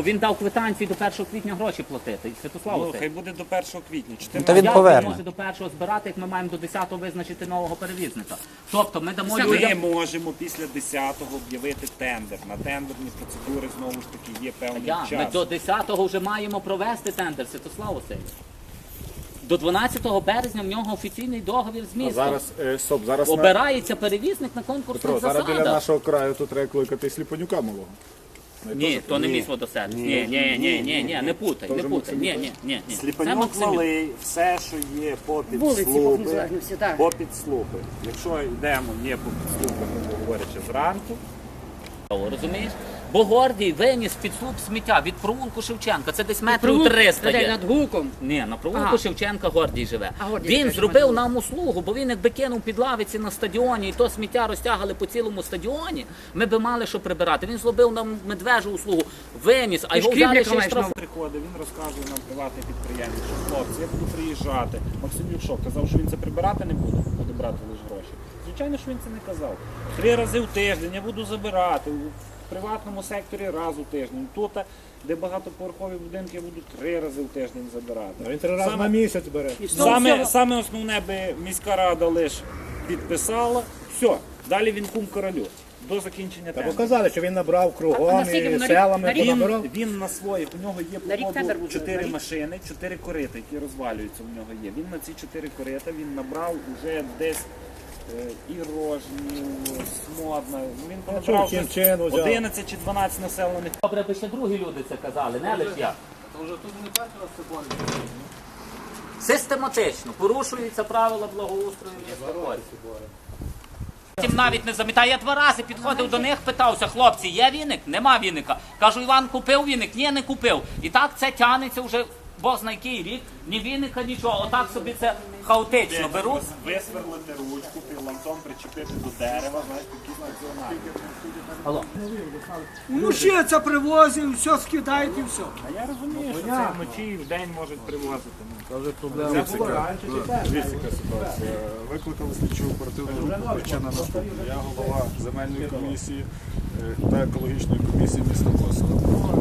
Бо він дав квитанцію до 1 квітня гроші платити. Святослав, Ну, хай буде до 1 квітня. Та він поверне. може до 1-го збирати, як ми маємо до 10-го визначити нового перевізника. Тобто ми дамо Ми людям... можемо після 10-го об'явити тендер. На тендерні процедури знову ж таки є певний Ми час. до 10-го вже маємо провести тендер, Святослав Васильович. До 12 березня в нього офіційний договір з містом. Зараз Обирається перевізник на конкурсних зараз біля засадах. нашого краю тут треба кликати Сліпанюка малого. Ні, то не мій водосервіс. Ні, не путай, не путай. Ні. Це Сліпанюк Максимюк. малий, все, що є попід Вулиці по слупи, незалежності, так. попід слупи. Якщо йдемо не попід слупи, грубо говорячи, зранку, Розумієш? Бо Гордій виніс під слуп сміття від провулку Шевченка. Це десь метрів Провулок 300 де, є. над гуком. Ні, на провулку Ага. Шевченка Гордій живе. А Гордій Він живе, зробив що нам услугу, бо він якби кинув під лавиці на стадіоні, і то сміття розтягали по цілому стадіоні, ми би мали що прибирати. Він зробив нам медвежу услугу, виніс, а І його взяли шкрібляка ще й маєш штраф. приходить, він розказує нам приватний підприємець, що хлопці, я буду приїжджати. Максимюк що, казав, що він це прибирати не буде, буде брати лише гроші. Звичайно, що він це не казав. 3 рази в тиждень я буду забирати. В приватному секторі раз у тиждень. Тут, де багатоповерхові будинки, я буду 3 рази в тиждень забирати. Він 3 рази на місяць бере. Саме основне би міська рада лише підписала. Все, далі він кум королю. До закінчення Та тендеру. показали, що він набрав А кругом наскільки і на рік- селами на рік? понабирав. Він на своїх, у нього є На рік по тендер ходу буде, 4 на рік? машини, 4 корита, які розвалюються у нього є. Він на ці 4 корита він набрав уже десь і Рожнів, Смодна. Він понабрав чим десь чину взяв. 11 чи 12 населених. Добре, би ще другі люди це казали, не лише я. Систематично порушуються правила благоустрою міста Гордій. Потім навіть не замітає. Я 2 рази підходив до них, питався, хлопці, є віник? Нема віника. Кажу, Іван купив віник? Ні, не купив. І так це тягнеться вже Бог знає який рік, ні віника, нічого. Отак собі це хаотично беруть. Висверлити ручку, пірлантом причепити до дерева, знаєш, якісь національні. Алло. Ну ще це привозять, все скидають і все. А я розумію, що це вночі і вдень можуть привозити. Це вже проблема. Дивіться, яка ситуація. Викликали слідчу оперативну групу, причина наступна. Я голова земельної комісії та екологічної комісії міста Косова.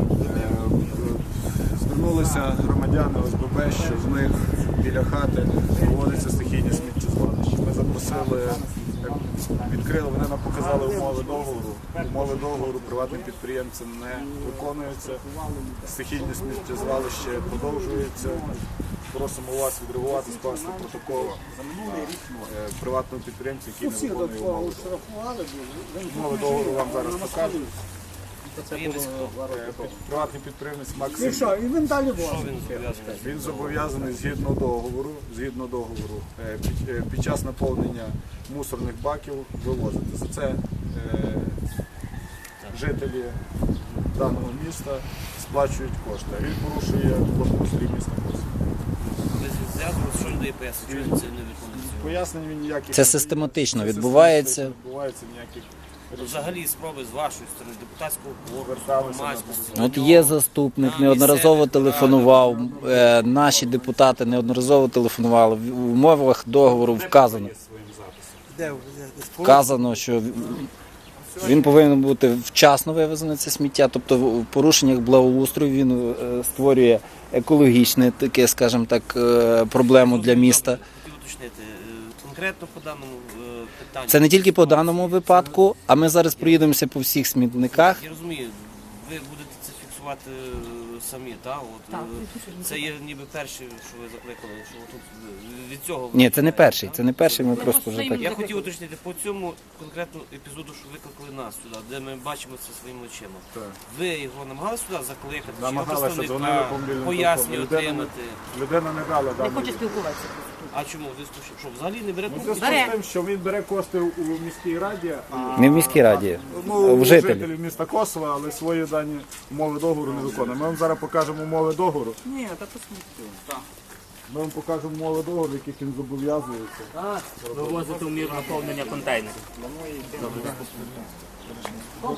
Звернулися громадяни ОСББ, що в них біля хати проводиться стихійне сміттєзвалище. Ми запросили, відкрили, вони нам показали умови договору. Умови договору приватним підприємцям не виконуються. Стихійне сміттєзвалище продовжується. Просимо вас відреагувати, скласти протокол приватного підприємця, який не виконує умови. Умови договору вам зараз покажуть. Приватний підприємець І Максим. що, і він далі возить. Він зобов'язаний згідно договору під час наповнення мусорних баків вивозити. За це жителі даного міста сплачують кошти. А він порушує благоустрій міста Косова. Що людей пояснюють, чому він це не виконується? Пояснень він ніяких. Це систематично відбувається. Не відбувається ніяких. Взагалі спроби з вашої сторони, депутатського корпусу, Зверталися громадськості. От є заступник, неодноразово телефонував, наші депутати неодноразово телефонували. В умовах договору вказано, що він повинен бути вчасно вивезене це сміття, тобто в порушеннях благоустрою він створює екологічне таке, скажімо так, проблему для міста. Хотів уточнити, конкретно по даному питанню. Це не тільки по даному випадку, а ми зараз проїдемося по всіх смітниках. Я розумію, ви будете це фіксувати самі, так? От, це є ніби перше, що ви закликали, що тут від цього... Ні, це не перший, ми просто вже так. Я хотів уточнити, по цьому конкретному епізоду, що викликали нас сюди, де ми бачимо це своїми очима. Ви його намагалися сюди закликати, чи його Намагалися, дзвонили представника, по мобільному пояснення телефону. отримати? Людина не дала Не даної. хоче спілкуватися. А чому? Ви що, взагалі не бере У трубки? зв'язку з тим, що він бере кошти у міській раді, а Не в міській раді, ну, в у жителів. жителів міста Косова, але свої дані умови договору не виконує. Ми вам зараз покажемо умови договору. Ні, та посміттю. Ми вам покажемо умови договору, яких він зобов'язується. Вивозити в міру наповнення контейнерів.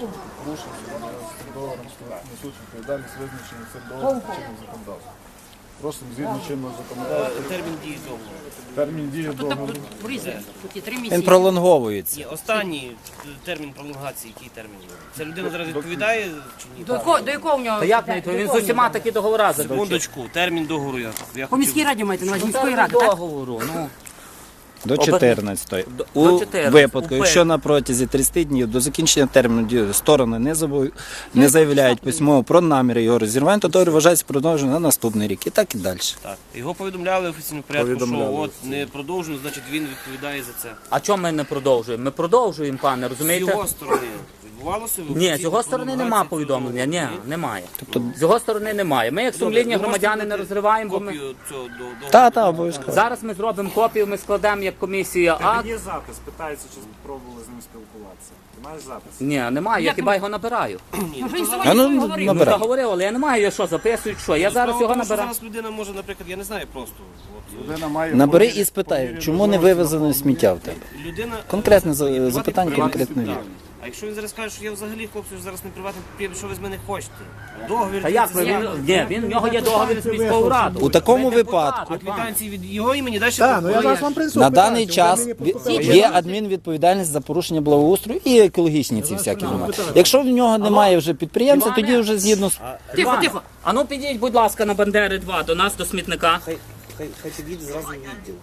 Договором несуть відповідальність визначені цим договором чинним законодавством. Просимо згідно чинного законодавства. Термін дії договору. Термін дії договору. Тут є 3 Він місяці. пролонговується. Є останній термін пролонгації, який термін? Це людина зараз відповідає чи ні? До якого в нього? Та як не відповідь? Він з усіма такі договори заключив. Секундочку, термін договору я По міській раді маєте на увазі, міської Це ради, так? договору, ну. До 14-ї. До У 14-ї. випадку, якщо на протязі 30 днів до закінчення терміну дії сторони не заявляють письмово про наміри його розірвання, то договір вважається продовженим на наступний рік. І так і далі. Так. Його повідомляли в офіційному порядку, Повідомляли. що от не продовжено, значить він відповідає за це. А чому ми не продовжуємо? Ми продовжуємо, пане, З розумієте? його сторони відбувалося? Ні, з його сторони немає повідомлення. Ні, немає. З його сторони немає. Ми як сумлінні громадяни не розриваємо, бо ми... Копію цього договору. Та, обов'язково. Зараз ми зробимо копію, ми складемо як комісія акт. Є запис, питається, чи пробували з ним спілкуватися. Ти маєш запис? Ні, немає, я хіба його набираю. Ну, вже і А сьогодні ну, говорив. Ну, набирай. та говорив, але я не маю, я що, записують, що. Я зараз його Тому що набираю. Зараз людина може, наприклад, я не знаю просто. От, Людина має Набери по мірі- і спитай, по мірі чому не можливості вивезено сміття в тебе? людина... Конкретне приватний запитання, підприємець, конкретна так. відповідь. А якщо він зараз каже, що я взагалі, хлопці, зараз не приватний підприємець, що ви з мене хочете? Договір... Та як ви? В нього є договір з міською радою. У такому Ви депутат, випадку от вам. Квитанції від його імені далі... на даний час є адмінвідповідальність за порушення благоустрою і екологічні ці всякі моменти. Якщо в нього немає вже підприємця, Іване. тоді вже згідно з Тихо, тихо. А ну підіть, будь ласка, на Бандери 2 до нас, до смітника. Хай підійде зразу в відділ.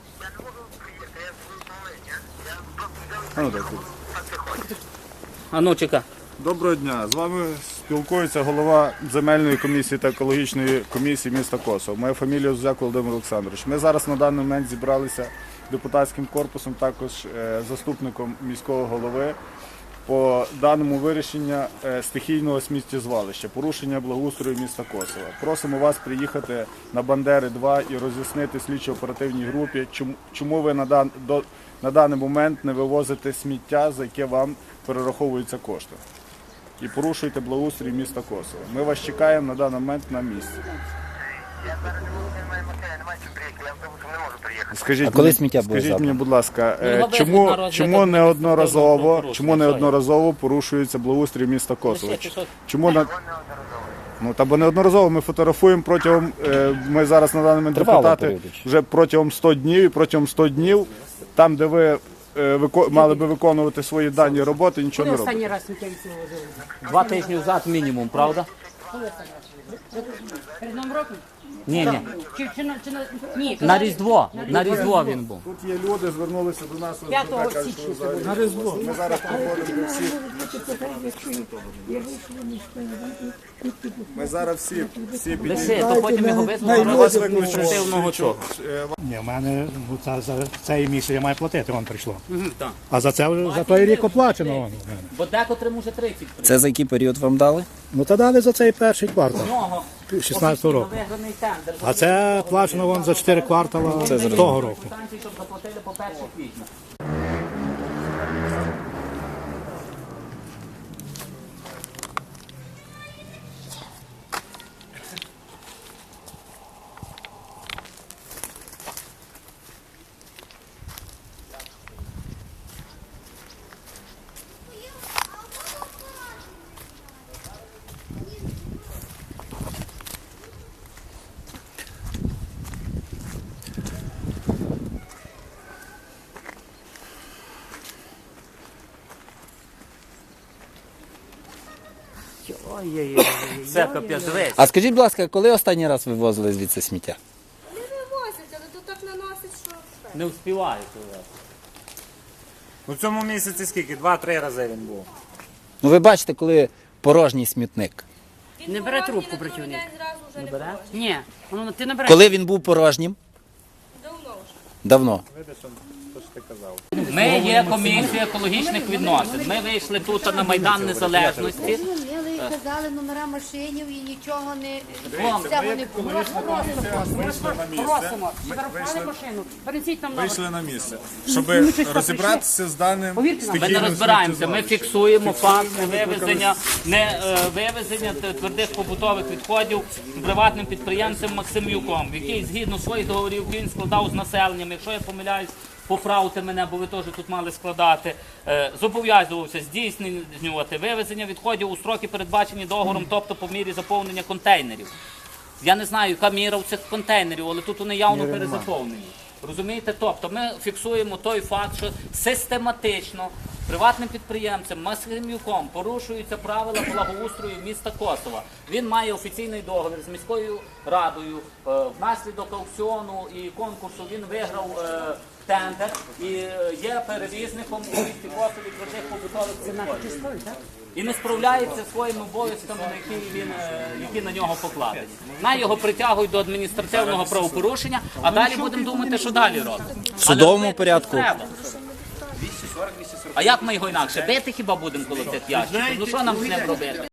А ну, чекай. Доброго дня. З вами спілкується голова земельної комісії та екологічної комісії міста Косово. Моя фамілія Зузяк Володимир Олександрович. Ми зараз на даний момент зібралися депутатським корпусом, також заступником міського голови по даному вирішення стихійного сміттєзвалища, порушення благоустрою міста Косова. Просимо вас приїхати на Бандери 2 і роз'яснити слідчо-оперативній групі, чому ви на даний момент не вивозите сміття, за яке вам перераховуються кошти. І порушуєте благоустрій міста Косова. Ми вас чекаємо на даний момент на місці. Я зараз немає машини, немає чим приїхати, я автобусом не можу приїхати. Скажіть, А коли сміття буде скажіть забрано? мені, будь ласка, Ну, його везуть на чому розгляд чому неодноразово порушується благоустрій міста Косова? Чому бо неодноразово ми фотографуємо протягом, ми зараз на даний момент Тривалого депутати періоду. вже протягом 100 днів, і протягом 100 днів, там, де ви мали би виконувати свої дані роботи, нічого Коли не робите. останній раз сміття відсилували? 2 тижні назад мінімум, правда? Перед Новим роком? Ні. Ні, На Різдво. На Різдво він був. Тут є люди, звернулися до нас, 5 кажуть, що січня. ви взагалі- ми зараз проходимо всі. Ми зараз всі Лише, то потім його визнали на вас розгляд викличемо адміністративного цього. Ні, в мене за цей місяць я маю платити, вон прийшло. Так. А за це вже за той рік оплачено вон в мене. Бо декотрим уже 30 це за який період вам дали? Ну та дали за цей перший квартал, нього 16-го року. виграний тендер. А це плачено вон за 4 квартала того року. Станції, щоб заплатили по 1 квітня. Все, капець, дивись. А скажіть, будь ласка, коли останній раз вивозили звідси сміття? Не вивозять, але то так наносить, що все. Не вспіваю. У цьому місяці скільки? 2-3 рази він був. Ну ви бачите, коли порожній смітник. Не бере трубку працівник. День зразу вже не бере? бере? Ні, ну ти набереш. Коли він був порожнім? Давно вже. Давно. Ми є комісія екологічних відносин. Ми вийшли тут на Майдан Незалежності. Зрозуміли, казали номера машинів і нічого не Вам. цього не було. Просимо, зарахували машину. Перенесіть нам номер. Вийшли на місце, щоб розібратися з даним Повірте нам. Ми не розбираємося, ми фіксуємо факт невивезення твердих побутових відходів приватним підприємцем Максимюком, який згідно своїх договорів, які він складав з населенням, якщо я помиляюсь, поправте мене, бо ви теж тут мали складати, зобов'язувався здійснювати вивезення відходів у строки, передбачені договором, тобто по мірі заповнення контейнерів. Я не знаю, яка міра у цих контейнерів, але тут вони явно перезаповнені. Розумієте? Тобто ми фіксуємо той факт, що систематично приватним підприємцем Максимюком порушуються правила благоустрою міста Косова. Він має офіційний договір з міською радою. Внаслідок аукціону і конкурсу він виграв тендер і є перевізником у місті Косові твердих побутових відходів. І не справляється своїми обов'язками, які на нього покладені. На його притягують до адміністративного правопорушення, а далі будемо думати, що далі робити. В судовому порядку. А як ми його інакше? Бити хіба будемо коло цих ящиків? Ну що нам з ним робити?